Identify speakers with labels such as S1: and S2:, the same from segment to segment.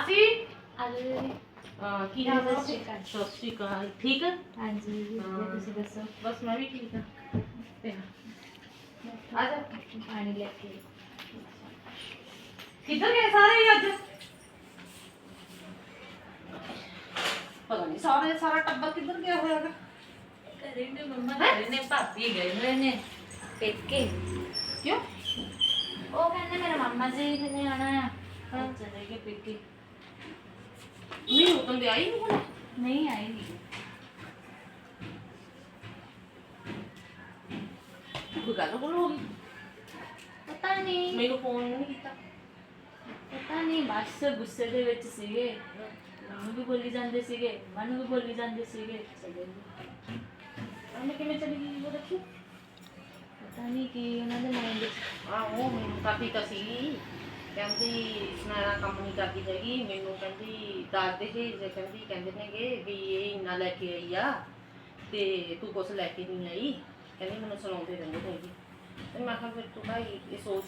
S1: ਮਾਸੀ
S2: ਆਲੂ
S1: ਕੀ ਹਾਲ ਹੈ? ਸਤਿ ਸ਼੍ਰੀ ਅਕਾਲ। ਠੀਕ ਹੈ?
S2: ਹਾਂਜੀ ਵਧੀਆ, ਤੁਸੀਂ ਦੱਸੋ?
S1: ਬਸ ਮੈਂ ਵੀ ਠੀਕ ਹਾਂ। ਤੇ ਆ ਜਾ
S2: ਪਾਣੀ ਲੈ ਕੇ।
S1: ਕਿੱਧਰ ਗਏ ਸਾਰੇ ਹੀ ਅੱਜ? ਪਤਾ ਨਹੀਂ ਸਾਰਾ ਟੱਬਰ ਕਿੱਧਰ ਗਿਆ ਹੋਇਆ ਹੈਗਾ।
S2: ਘਰੇ ਨੇ ਮੰਮਾ ਘਰੇ ਨੇ, ਭਾਬੀ ਗਏ ਹੋਏ ਨੇ ਪੇਕੇ।
S1: ਕਿਉਂ?
S2: ਉਹ ਕਹਿੰਦੇ ਮੇਰੇ ਮਾਮਾ ਜੀ ਨੇ ਆਣਾ ਆ, ਹਾਂ ਚਲੇ ਗਏ ਪੇਕੇ।
S1: ਨਹੀਂ ਉਦੋਂ ਦੇ ਆਈ ਨਹੀਂ ਹੁਣ।
S2: ਨਹੀਂ ਆਈ ਨਹੀਂ।
S1: ਕੋਈ ਗੱਲ ਹੋ ਗਈ?
S2: ਪਤਾ ਨਹੀਂ
S1: ਮੈਨੂੰ ਫੋਨ ਨਹੀਂ ਕੀਤਾ।
S2: ਪਤਾ ਨਹੀਂ, ਬਸ ਗੁੱਸੇ ਦੇ ਵਿੱਚ ਸੀਗੇ। ਮੈਨੂੰ ਵੀ ਬੋਲੀ ਜਾਂਦੇ ਸੀਗੇ, ਮਨ ਵੀ ਬੋਲੀ ਜਾਂਦੇ ਸੀਗੇ, ਚਲੇ ਗਏ।
S1: ਉਹਨੇ ਕਿਵੇਂ ਚਲੀ ਗਈ ਉਹ ਦੇਖੀ?
S2: ਪਤਾ ਨਹੀਂ ਕੀ ਉਹਨਾਂ ਦੇ ਮਾਈਂਡ ਵਿੱਚ।
S1: ਉਹ ਮੈਨੂੰ ਕਾਫੀ ਤਾਂ ਸੀ, ਕਹਿੰਦੀ ਸੁਨੈਣਾ ਕੰਮ ਨਹੀਂ ਕਰਦੀ ਹੈਗੀ। ਮੈਨੂੰ ਕਹਿੰਦੀ ਦੱਸਦੇ ਸੀ ਜੇ ਕਹਿੰਦੇ ਨੇਗੇ ਵੀ ਇਹ ਇੰਨਾ ਲੈ ਕੇ ਆਈ ਆ ਤੇ ਤੂੰ ਕੁਛ ਲੈ ਕੇ ਨਹੀਂ ਆਈ। ਕਹਿੰਦੀ ਮੈਨੂੰ ਸੁਣਾਉਂਦੇ ਰਹਿੰਦੇ ਨੇਗੇ। ਤੇ ਮੈਂ ਕਿਹਾ ਫਿਰ ਤੂੰ ਭਾਈ ਇਹ ਸੋਚ